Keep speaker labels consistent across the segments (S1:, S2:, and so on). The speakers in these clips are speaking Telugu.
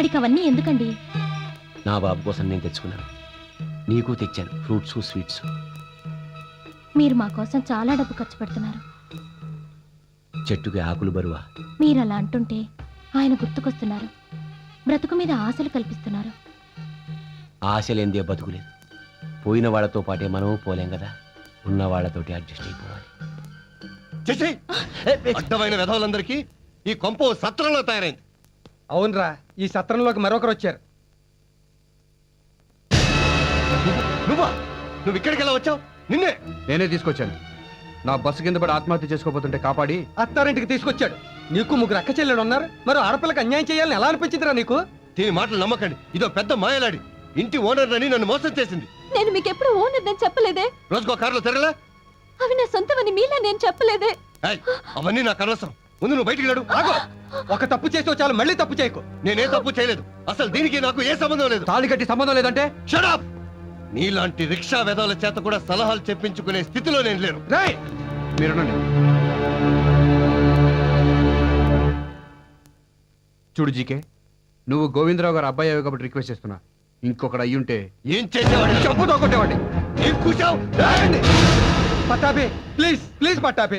S1: వాడికి అవన్నీ ఎందుకండి?
S2: నా బాబు కోసం నేను తెచ్చుకున్నాను, నీకు తెచ్చాను ఫ్రూట్స్ స్వీట్స్.
S1: మీరు మా కోసం చాలా డబ్బు ఖర్చు పెడుతున్నారు.
S2: చెట్టుకి ఆకులు బరువా?
S1: మీరు అలా అంటుంటే ఆయన గుర్తుకొస్తున్నారు. బ్రతుకు మీద ఆశలు కల్పిస్తున్నారు.
S2: ఆశలేందే బతుకులేదు. పోయిన వాళ్ళతో పాటే మనము పోలేం కదా, ఉన్న వాళ్ళతోటి అడ్జస్ట్ అయిపోవాలి.
S3: అడ్డమైన విధవులందరికీ ఈ కొంప సత్రంలో తయారైంది.
S4: అవునరా, ఈ సత్రంలోకి మరొకరు వచ్చారు.
S3: నువ్వా? నువ్వు ఇక్కడికి ఎలా వచ్చావు? నిన్నే
S5: నేనే తీసుకొచ్చాను. నా బస్సు కింద పడి ఆత్మహత్య చేసుకోబోతుంటే కాపాడి
S4: అత్తారింటికి తీసుకొచ్చాడు. నీకు ముగ్గురు అక్క చెల్లెలు ఉన్నారు, మరి ఆడపిల్లకి అన్యాయం చేయాలని ఎలా అనిపించిందిరా నీకు?
S3: దీని మాటలు నమ్మకండి, ఇదో పెద్ద మాయలాడి. ఇంటి ఓనర్ అని నన్ను మోసం చేసింది.
S1: నేను మీకు ఎప్పుడు ఓనర్ అని చెప్పలేదే.
S3: రోజుకో కారులో తిరగలే.
S1: అవి నా సొంతమని మీలా నేను చెప్పలేదే.
S3: ఏయ్, అవన్నీ నాకు అనవసరం. ముందు నువ్వు బయటికి లేడు.
S4: ఆగో, ఒక తప్పు చేసావు చాలు, మళ్ళీ తప్పు చేయకు.
S3: నేనే తప్పు చేయలేదు. అసలు దీనికి నాకు ఏ సంబంధం లేదు.
S5: తాళి కట్టి సంబంధం లేదంటే
S3: Shut up! నీలాంటి రిక్షా వెధవుల చేత కూడా సలహాలు చెప్పించుకునే స్థితిలో నేను లేను.
S4: రేయ్,
S5: మీరునండి. చూడు జీకే, నువ్వు గోవిందరావు గారు అబ్బాయి అయ్యావు కాబట్టి రిక్వెస్ట్ చేస్తున్నా. ఇంకొకటి అయ్యుంటే
S3: ఏం చేసేవాడు?
S4: చెప్పుతో కొట్టేవాడి.
S3: ఏం కూర్చావు?
S4: పట్టాపే, ప్లీజ్ ప్లీజ్ పట్టాపే.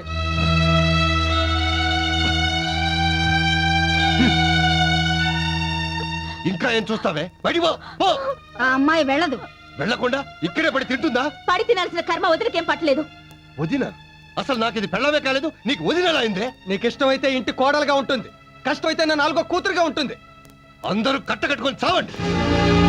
S3: ఇంకా ఏం చూస్తావే? బయటికి పో, పో.
S1: ఆ అమ్మాయి వెళ్ళదు.
S3: వెళ్ళకుండా ఇక్కడే పడి తింటుందా?
S1: పడి తినాల్సిన కర్మ వదిలికేం పట్టలేదు.
S3: వదిన? అసలు నాకు ఇది పెళ్ళమే కాలేదు, నీకు వదినలా అయిందే?
S4: నీకు ఇష్టమైతే ఇంటి కోడలుగా ఉంటుంది, కష్టమైతే నా నాలుగో కూతురుగా ఉంటుంది.
S3: అందరూ కట్టకట్టుకొని చావండి.